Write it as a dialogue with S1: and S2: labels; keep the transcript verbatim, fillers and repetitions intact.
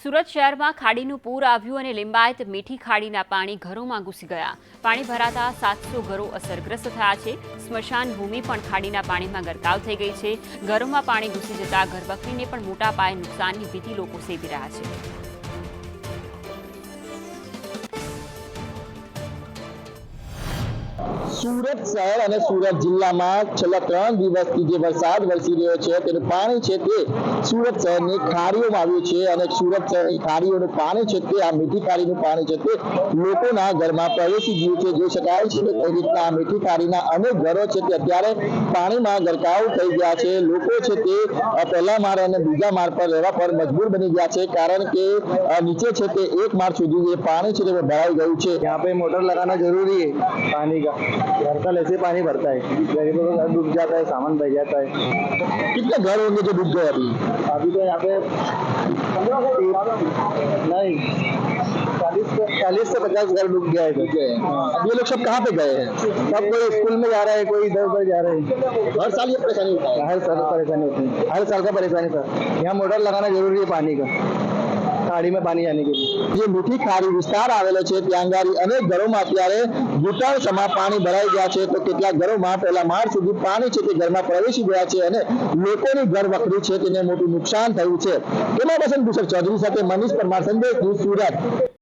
S1: સુરત શહેરમાં ખાડીનું પૂર આવ્યું અને લિંબાયત મીઠી ખાડીના પાણી ઘરોમાં ઘૂસી ગયા। પાણી ભરાતા સાતસો ઘરો અસરગ્રસ્ત થયા છે। સ્મશાન ભૂમિ પણ ખાડીના પાણીમાં ગરકાવ થઈ ગઈ છે। ઘરોમાં પાણી ઘૂસી જતા ઘરવખરીને પણ મોટા પાયે નુકસાનની ભીતિ લોકો સેવી રહ્યા છે।
S2: सूरत शहर और सूरत जिला में छेल्ला त्रण दिवसथी जे वरसाद वरसी रह्यो छे तेनुं पाणी छे ते सूरत शहरनी खाड़ीओमां आव्युं छे अने सूरत शहरनी खाड़ीओनुं पाणी छे ते आ मीठी खाड़ीनुं पाणी छे ते लोकोना घरमां प्रवेशी गयुं छे। जोई शकाय छे के कई रीतना आ मीठी खाड़ीना अनेक घरो छे ते अत्यारे पाणीमां गरकाव थई गया छे। लोको छे ते पहेला माळ अने बीजा माळ पर रहेवा पर मजबूर बनी गया छे कारण के नीचे छे ते एक माळ सुधी जे पाणी छे ते भराई गयुं छे।
S3: यहाँ पे मोटर लगाना जरूरी है पानी का, घर का ऐसे पानी भरता है, गरीबों का घर डूब जाता है, सामान बह जाता है।
S2: कितने घर होंगे जो डूब गए अभी?
S3: अभी तो यहाँ पे नहीं चालीस चालीस से पचास घर डूब गया है।
S2: अब ये लोग सब कहाँ पे गए हैं?
S3: सब कोई स्कूल में जा रहा है, कोई इधर उधर जा रहे हैं।
S2: हर साल ये परेशानी होता है?
S3: हर साल परेशानी होती है, हर साल का परेशानी सर। यहाँ मोटर लगाना जरूरी है पानी का, खाड़ी में पानी जाने के लिए।
S2: જે મીઠી ખાડી વિસ્તાર આવેલો છે ત્યાં આગળ અનેક ઘરોમાં અત્યારે ઘૂંટણ સમા પાણી ભરાઈ ગયા છે તો કેટલાક ઘરોમાં પહેલા માળ સુધી પાણી છે તે ઘરમાં પ્રવેશી ગયા છે અને લોકોની ઘર વખરી છે તેને મોટું નુકસાન થયું છે। કેમેરા પર્સન ભૂષણ ચૌધરી સાથે મનીષ પરમાર, સંદેશ ન્યૂઝ, સુરત।